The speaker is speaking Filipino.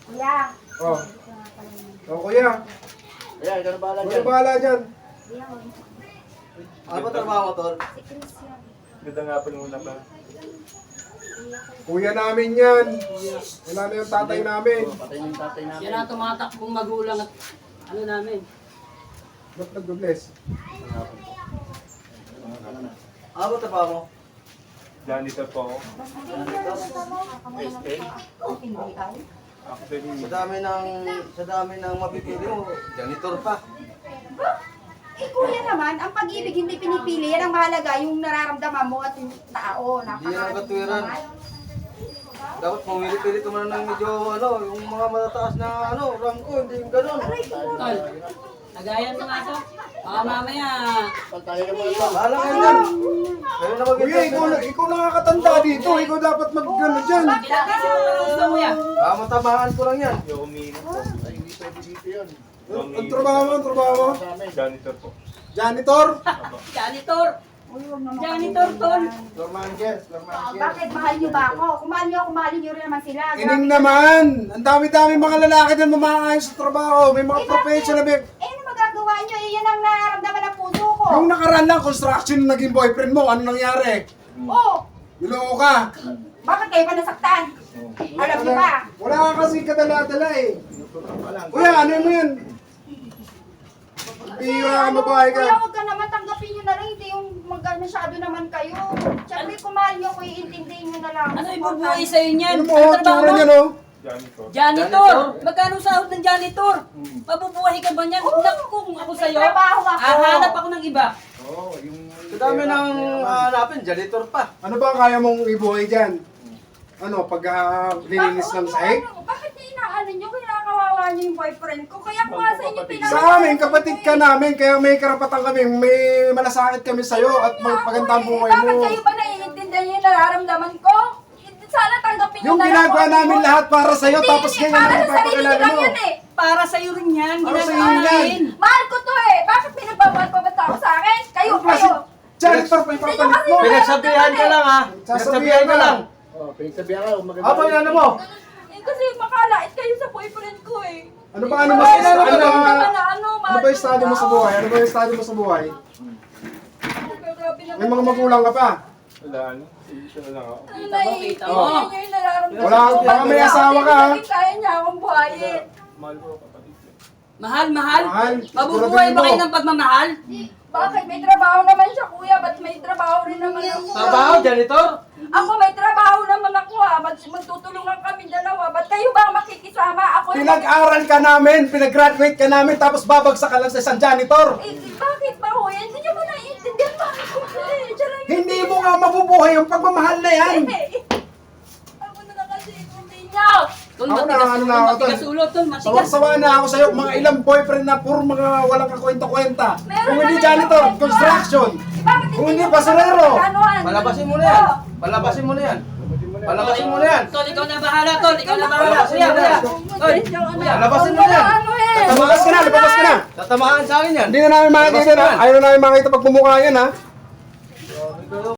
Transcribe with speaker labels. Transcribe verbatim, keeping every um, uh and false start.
Speaker 1: Kuya.
Speaker 2: Oh. Oh, kuya.
Speaker 3: Kuya, ikaw na bahala
Speaker 2: Ano
Speaker 3: dyan.
Speaker 2: bahala dyan?
Speaker 1: Kuya, huwag mo.
Speaker 3: Ano ba trabaho mo, Tol?
Speaker 1: Si Christian.
Speaker 4: Ganda nga po muna pa.
Speaker 2: Kuya namin yan. Wala na yung tatay namin.
Speaker 3: Patay na yung tatay namin.
Speaker 5: Yan ang tumatakbong magulang at ano namin.
Speaker 2: Ba't nag-bless?
Speaker 3: Ano ba trabaho mo?
Speaker 4: Janitor po ako.
Speaker 1: S K? Hindi ay.
Speaker 4: Actually,
Speaker 3: Sa dami ng, sa dami ng mapipili mo, janitor pa.
Speaker 1: Eh kuya naman, ang pag-ibig hindi pinipili. Yan ang mahalaga, yung nararamdaman mo at yung tao.
Speaker 3: Hindi yan ang katwiran. Dapat pumili-pili ka muna ng medyo ano, yung mga matataas na ano, rangko, hindi yung ganun.
Speaker 5: Tol, nagayan mo nga to. Baka mamaya,
Speaker 3: Bahala kayo yan. Kayo na
Speaker 2: Kuya,
Speaker 3: mag-ibig.
Speaker 2: ikaw, na- ikaw nakakatanda dito. Ikaw dapat mag-ano dyan.
Speaker 5: ginagasin mo na gusto mo yan.
Speaker 3: Ah, matamaan ko lang yan.
Speaker 4: yung umiinit po. Ay, hindi pwede dito yun.
Speaker 2: Ang ang trabaho mo, ang trabaho mo.
Speaker 4: Janitor po.
Speaker 2: Janitor.
Speaker 5: Janitor!
Speaker 1: Uy, huwag naman
Speaker 5: Janitor,
Speaker 1: kayo
Speaker 5: Tol.
Speaker 1: ganyan.
Speaker 3: Normanges,
Speaker 1: Oh,
Speaker 3: Normanges.
Speaker 1: bakit mahal niyo ba ako? Kung mahal niyo ako, mahalin niyo rin naman sila.
Speaker 2: Ining naman. Ang dami-dami mga lalaki din mamaayos sa trabaho. May mga
Speaker 1: Eh,
Speaker 2: professional. May...
Speaker 1: Eh, ano magagawa niyo? Eh, yan ang nararamdaman ng puso ko.
Speaker 2: Yung nakaraan lang, construction na naging boyfriend mo. Ano nangyari?
Speaker 1: Oh,
Speaker 2: Niloko ka.
Speaker 1: bakit kayo pa nasaktan? Alam niyo ba?
Speaker 2: Wala ka kasi kadala-dala eh. Kuya, ano mo yan? Bira ka, babae ka.
Speaker 1: Kuya, huwag ka naman tanggapin niyo na lang. Hindi yung mag masyado naman kayo. Siyempre, kung mahal niyo ako, iintindihin niyo na lang.
Speaker 5: Ano ibubuhay sa'yo niyan?
Speaker 2: Ano mo,
Speaker 5: Ang trabaho
Speaker 2: tsura
Speaker 5: mo?
Speaker 2: niya no?
Speaker 4: Janitor.
Speaker 5: Janitor! Magkano sahod ng janitor? Mabubuhay ka ba niyan? Naku, kung ako sa'yo,
Speaker 1: May trabaho ako.
Speaker 5: hahanap ako ng iba.
Speaker 2: Oo, yung...
Speaker 3: Sa dami ng hanapin, janitor pa.
Speaker 2: Ano ba ang kaya mong ibuhay dyan? Ano, pag uh, lilinis ng sahig?
Speaker 1: Ano, bakit niyo inaano niyo? Kinakawawa niyo yung boyfriend ko. Kaya ko nga sa inyo pinag-
Speaker 2: Sa amin, kapatid ka namin, kaya may karapatan kami, may malasakit kami sa'yo at magpaganda ang buhay
Speaker 1: Bakit
Speaker 2: mo.
Speaker 1: kayo ba naiintindihan yung nararamdaman ko? Sana tanggapin niyo
Speaker 2: Yung
Speaker 1: na lang
Speaker 2: ginagawa
Speaker 1: kung ano
Speaker 2: namin
Speaker 1: yun.
Speaker 2: lahat para sa'yo,
Speaker 1: Hindi,
Speaker 2: tapos
Speaker 1: hindi,
Speaker 2: ganyan
Speaker 1: para
Speaker 2: ang
Speaker 1: sa sarili
Speaker 2: ipapakilala
Speaker 1: niyo lang
Speaker 2: mo.
Speaker 1: yun eh.
Speaker 5: Para sa'yo rin yan.
Speaker 2: Para
Speaker 5: Ginagawa
Speaker 2: sa'yo yan.
Speaker 5: namin.
Speaker 1: Mahal ko to eh. Bakit pinagmamahal pa ba tao sa akin? Kayo,
Speaker 2: Ang klase,
Speaker 1: kayo.
Speaker 2: janitor pa ipapalit mo.
Speaker 3: Pinagsabihan ka lang ha. Pinagsabihan ka lang.
Speaker 4: Oh, pinagsabihan ka, maganda.
Speaker 3: Apa yung ano mo?
Speaker 1: Eh, kasi makalait kayo sa boyfriend ko eh.
Speaker 2: Ano ba, ano ba,
Speaker 1: Bakit
Speaker 2: ano,
Speaker 1: naman
Speaker 2: ano,
Speaker 1: naman na ano,
Speaker 2: ano
Speaker 1: mahal
Speaker 2: ba yung estado mo sa buhay? Ano ba yung estado mo sa buhay?
Speaker 1: Grabe naman.
Speaker 2: May mga magulang ka pa.
Speaker 4: Wala, ano? Isa na lang ako.
Speaker 1: Ang naiintindihan
Speaker 2: Oh.
Speaker 1: niyo yung nararamdaman
Speaker 2: Wala,
Speaker 1: ko.
Speaker 2: baka may
Speaker 1: Bakit
Speaker 2: asawa ka, ha?
Speaker 1: bakit kaya niya akong buhayin.
Speaker 4: Mahal ko kapatid ko.
Speaker 5: Mahal, mahal.
Speaker 2: Mahal.
Speaker 5: Mabubuhay
Speaker 2: Siguraduhin
Speaker 5: ba
Speaker 2: mo.
Speaker 5: kayo ng pagmamahal?
Speaker 1: Bakit? May trabaho naman siya, kuya. Ba't may trabaho rin naman ako?
Speaker 3: Trabaho, janitor?
Speaker 1: Ako may trabaho naman ako ha. Mag magtutulungan kami dalawa. Ba't kayo ba ang makikisama? Ako yung-
Speaker 2: Pinag-aral ka namin, pinag-graduate ka namin, tapos babagsak ka lang sa isang janitor.
Speaker 1: Eh, bakit ba kuya? Hindi niyo ba naiintindihan ba? Eh, siya lang-
Speaker 2: Hindi mo nga mabubuhay yung pagmamahal na yan.
Speaker 1: Eh, ako na lang kasi hindi niya.
Speaker 5: Tol,
Speaker 2: Ako na,
Speaker 5: matigas,
Speaker 2: ano na ako, Tol.
Speaker 5: matigas ulo, tol, matigas.
Speaker 2: Sawang-sawa na ako sa'yo, mga ilang boyfriend na puro mga walang kakwenta-kwenta.
Speaker 1: Meron
Speaker 2: Kung hindi
Speaker 1: naman
Speaker 2: janitor,
Speaker 1: yung kwento,
Speaker 2: construction.
Speaker 1: Bakit
Speaker 2: Kung hindi
Speaker 1: niyo
Speaker 2: basurero.
Speaker 1: pagkakanoan?
Speaker 3: Palabasin mo na yan. Palabasin mo na yan. Palabasin mo na yan.
Speaker 5: Tol, ikaw na bahala, tol. Ikaw na bahala.
Speaker 3: Palabasin
Speaker 5: Kuya,
Speaker 3: mo na
Speaker 5: kuya.
Speaker 3: yan.
Speaker 5: Tol,
Speaker 3: Palabasin mo na yan.
Speaker 1: Ano eh?
Speaker 2: Lumabas ka na, lumabas ka na.
Speaker 3: Tatamaan sa akin yan.
Speaker 2: Hindi na namin makikita na. Ayaw na namin makita pagmumukha yan ha.